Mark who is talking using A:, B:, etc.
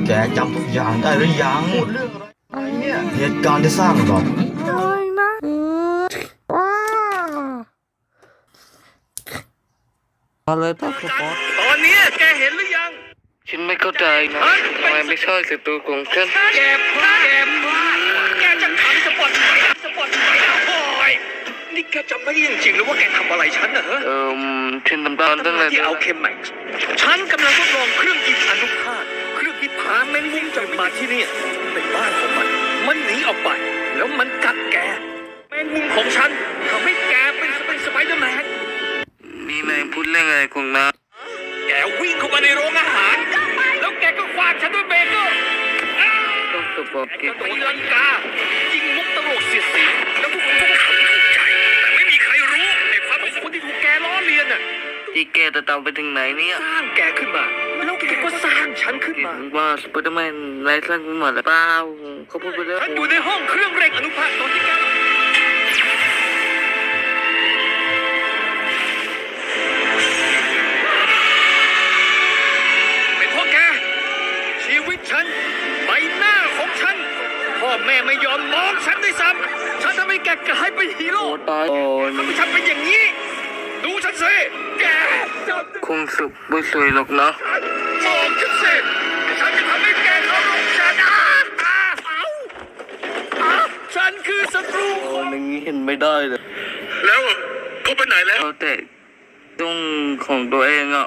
A: แกจำทุกอย่างได้หรือยังพูดเรื่องอะไรเนี่ยเหตุการณ์ที่สร้างหรอก
B: เลยนะว้าอะไรป้าครับ
C: ตอนนี้แกเห็นหรือยัง
B: ฉันไม่เข้าใจนะทำไมไม่ใช่ศัตรูของฉัน
C: แกพลาดแกจะทำสปอตไฟโอ้ยนี่แกจำไม่ได้จริงๆหรือว่าแกทำอะไรฉันเหรอ
B: ฉันทำตามตั้งแต่
C: ที่เอาเคมแม็กซ์ฉันกำลังทดลองเครื่องยิงอนุภาคเครื่องที่พาแมงมุมจากมาที่นี่เป็นบ้านของมันหนีออกไปแล้วมันกัดแกแมงมุมของฉันทำให้แกเป็นสไปเดอร์แมน
B: นี่นายพูดเรื่องอะไรของน้า
C: แกวิ่งเข้ามาในโรงอาหารแล้วแกก็คว้างฉันด้วยเบเกอร์
B: ต้องตบ
C: แกก็ตีลังกายิงมุกตลกเสียดสีแล้วพวกผมก็ขำถูกใจแต่ไม่มีใครรู้ไอ้ความเป็นคนที่ถูกแกล้อเลียนน่ะ
B: ที่แกจะตามไปถึงไหนเนี่ย
C: สร้างแกขึ้นมาแล้วแกก็สร้างฉันขึ้นมา
B: ว่าสไปเดอร์แมนนายสร้างขึ้นมาหรือเปล่าเขาพูดไปแล้ว
C: ฉันอยู่ในห้องเครื่องเร่งอนุภาคตอนที่แกเป็นเพราะแกชีวิตฉันใบหน้าของฉันพ่อแม่ไม่ยอมมองฉันด้วยซ้ำฉันทำให้แกกลายเป็นฮีโร่
B: ตาย
C: ทำให้ฉันเป็นอย่างนี้ดูฉันสิแก
B: คงสุขไม่สวยหรอกนะ
C: มองฉันสิฉันจะทำให้แกเคารพฉันฉันคือศัตรู
B: คนอย่างนี้เห็นไม่ได้เลย
C: แล้วเขาไปไหนแล้ว
B: แต่ต้องของตัวเองอ่ะ